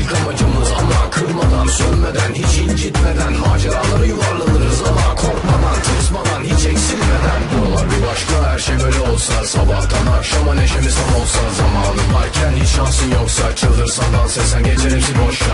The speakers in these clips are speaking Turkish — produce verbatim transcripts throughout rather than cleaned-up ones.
ilk amacımız. Ama kırmadan, sönmeden, hiç incitmeden maceraları yuvarlanırız ama korkmadan, tırsmadan, hiç eksilmeden. Buralar bir başka, her şey böyle olsa, sabahtan akşama neşemiz tam olsa, zamanın varken hiç şansın yoksa, çıldırsan dans etsen geçer hepsi boşa.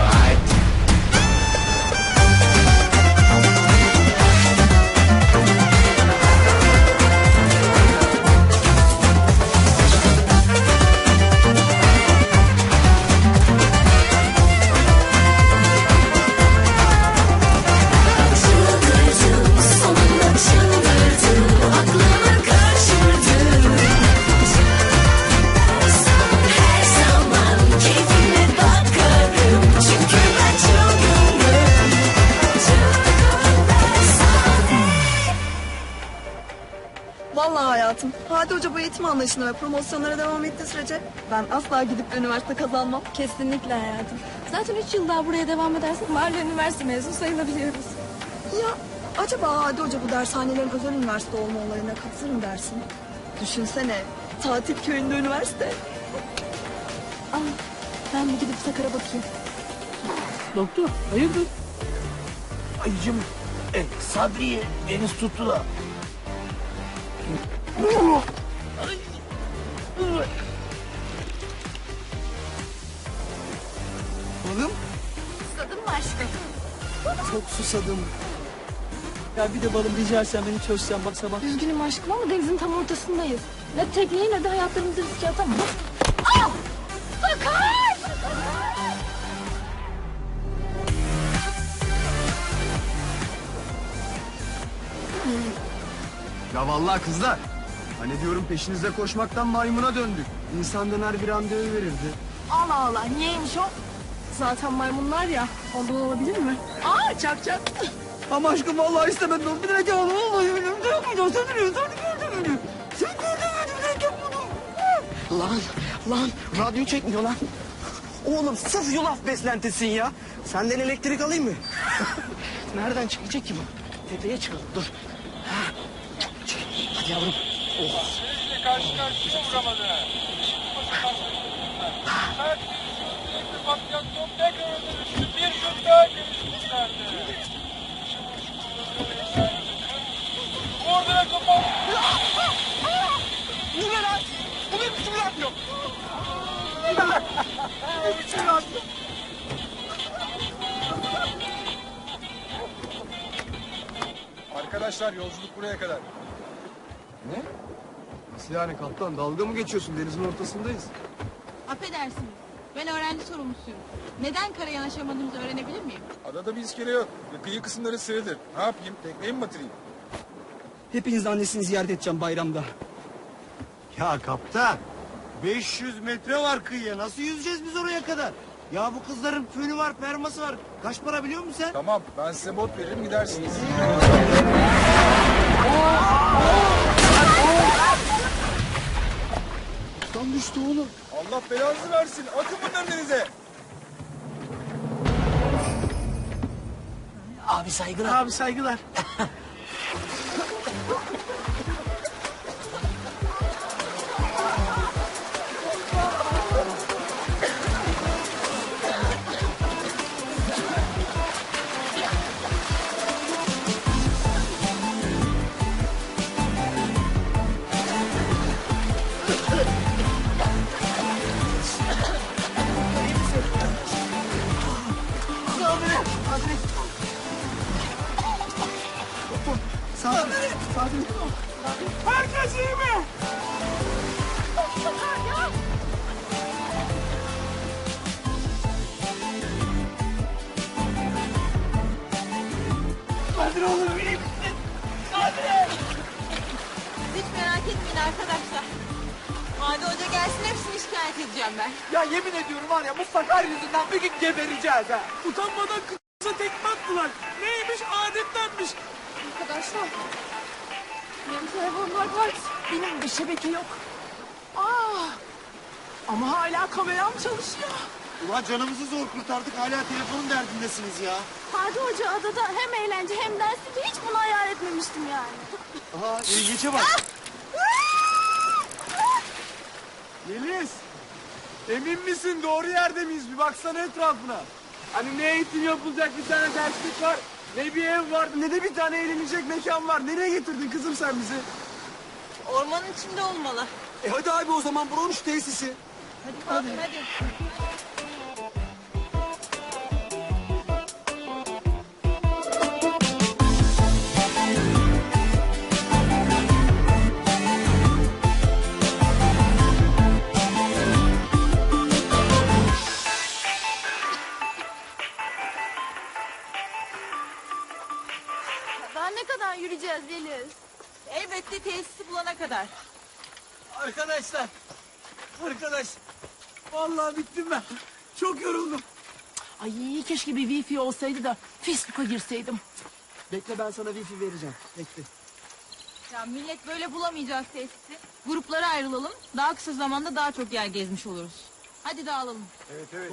Vallahi hayatım, Hadi Hoca bu eğitim anlayışına ve promosyonlara devam ettiği sürece ben asla gidip de üniversite kazanmam. Kesinlikle hayatım. Zaten üç yıl daha buraya devam edersek mahalle üniversite mezunu sayılabiliyoruz. Ya acaba Hadi Hoca bu dershanelerin özel üniversite olma olayına katılır mı dersin? Düşünsene, tatil köyünde üniversite. Aa, ben bir gidip Sakar'a bakayım. Doktor, hayırdır? Ayıcım, e, Sadri'yi deniz tuttu da. Balım? Susadın mı aşkım? Çok susadım. Ya bir de balım rica etsem beni çözsen bak sabah. Üzgünüm aşkım ama denizin tam ortasındayız. Ne tekneyi ne de hayatlarımızı riske atamam. Aa! Sakar! Ya vallahi kızlar. Hani diyorum peşinize koşmaktan maymuna döndük. İnsan döner bir randevu verirdi. Allah Allah, niyeymiş o? Zaten maymunlar ya, ondan olabilir mi? Aa, çak çak. Ama aşkım vallahi istemedim. Bir dakika vallahi benim de yapmayacağım. Sen biliyorsun, sen gördün beni. Sen gördün beni, ben yapmadım. Lan, lan radyo çekmiyor lan. Oğlum sırf yulaf beslentisin ya. Senden elektrik alayım mı? Nereden çıkacak ki bu? Tepeye çıkalım, dur. Ha. Hadi yavrum. Oh. Karşı karşıya vuramadı. Mert bir patyasyon tekrar dönüştü. Bir şut daha geliştirdi. Vurdu ve kapattı. Bu ne lan? Bu ne biçim radyo? Bu ne biçim radyo? Arkadaşlar yolculuk buraya kadar. Ne? Nasıl yani kaptan? Dalga mı geçiyorsun? Denizin ortasındayız. Affedersiniz. Ben öğrenci sorumlusuyum. Neden kara yanaşamadığımızı öğrenebilir miyim? Adada bir iskele yok. Ve kıyı kısımları sığdır. Ne yapayım? Tekneyi mi batırayım? Hepiniz annesini ziyaret edeceğim bayramda. Ya kaptan, beş yüz metre var kıyıya. Nasıl yüzeceğiz biz oraya kadar? Ya bu kızların fönü var, perması var. Kaç para biliyor musun sen? Tamam ben size bot veririm gidersiniz. Tam düştü oğlum. Allah belanızı versin. Atın bunları denize. Abi saygılar. Abi saygılar. Herkes iyi mi? Kadir oğlum iyi misin? Kadir! Hiç merak etmeyin arkadaşlar. Hadi Hoca gelsin hepsini şikayet edeceğim ben. Ya yemin ediyorum var ya bu Sakar yüzünden bir gün gebereceğiz ha. Utanmadan kıza tekme attılar. Neymiş adettenmiş. Arkadaşlar, benim telefonum var var. Benim bir şebeke yok. Aa, ama hala kameram çalışıyor. Ulan canımızı zor kurtardık. Hala telefonun derdindesiniz ya. Hadi Hoca adada hem eğlence hem ders diye hiç bunu hayal etmemiştim yani. Aha ilginçe bak. Yeliz. Emin misin doğru yerde miyiz? Bir baksana etrafına. Hani ne eğitim yapılacak bir tane derslik var. Ne bir ev var ne de bir tane eğlenecek mekan var. Nereye getirdin kızım sen bizi? Ormanın içinde olmalı. E hadi abi o zaman buranın şu tesisi. Hadi kalkın hadi. Daha ne kadar yürüyeceğiz Yeliz? Elbette tesisi bulana kadar. Arkadaşlar. Arkadaş. Vallahi bittim ben. Çok yoruldum. Ay keşke bir wifi olsaydı da Facebook'a girseydim. Bekle ben sana wifi vereceğim. Bekle. Ya millet böyle bulamayacak tesisi. Gruplara ayrılalım. Daha kısa zamanda daha çok yer gezmiş oluruz. Hadi dağılalım. Evet evet.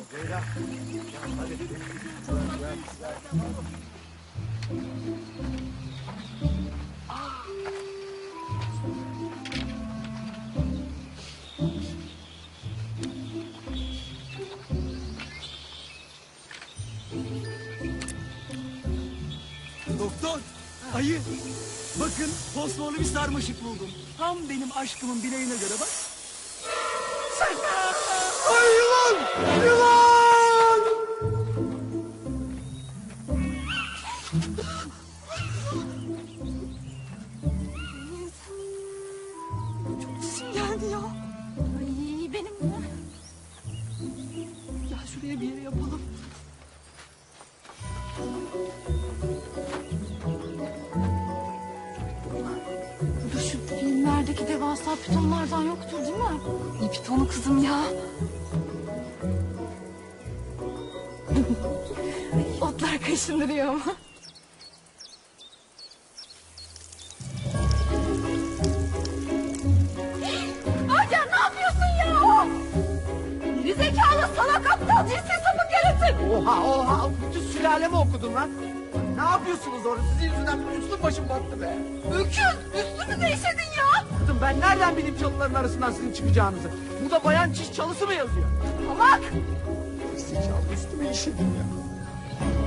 Doktor, ayı. Bakın fosforlu bir sarmaşık buldum. Tam benim aşkımın bileğine göre bak. Ay yılan! Yılan! Sesim geldi ya. Ay benim mi? Ya şuraya bir yere yapalım. Bu da şu filmlerdeki devasa pitonlardan yoktur değil mi? Ne pitonu kızım ya. Otlar kaşındırıyor ama. Hacer ne yapıyorsun ya? Geri zekalı salak aptal cinsiz sapık yaratık. Oha oha! Bütün sülalemi okudun lan. Ne yapıyorsunuz orada? Sizin yüzünden üstüm başım battı be. Öküz üstünü değiştirdin ya. Kızım ben nereden bileyim çalıların arasından sizin çıkacağınızı? Burada bayan çiş çalısı mı yazıyor? Salak. Zekalı üstüme işedin ya.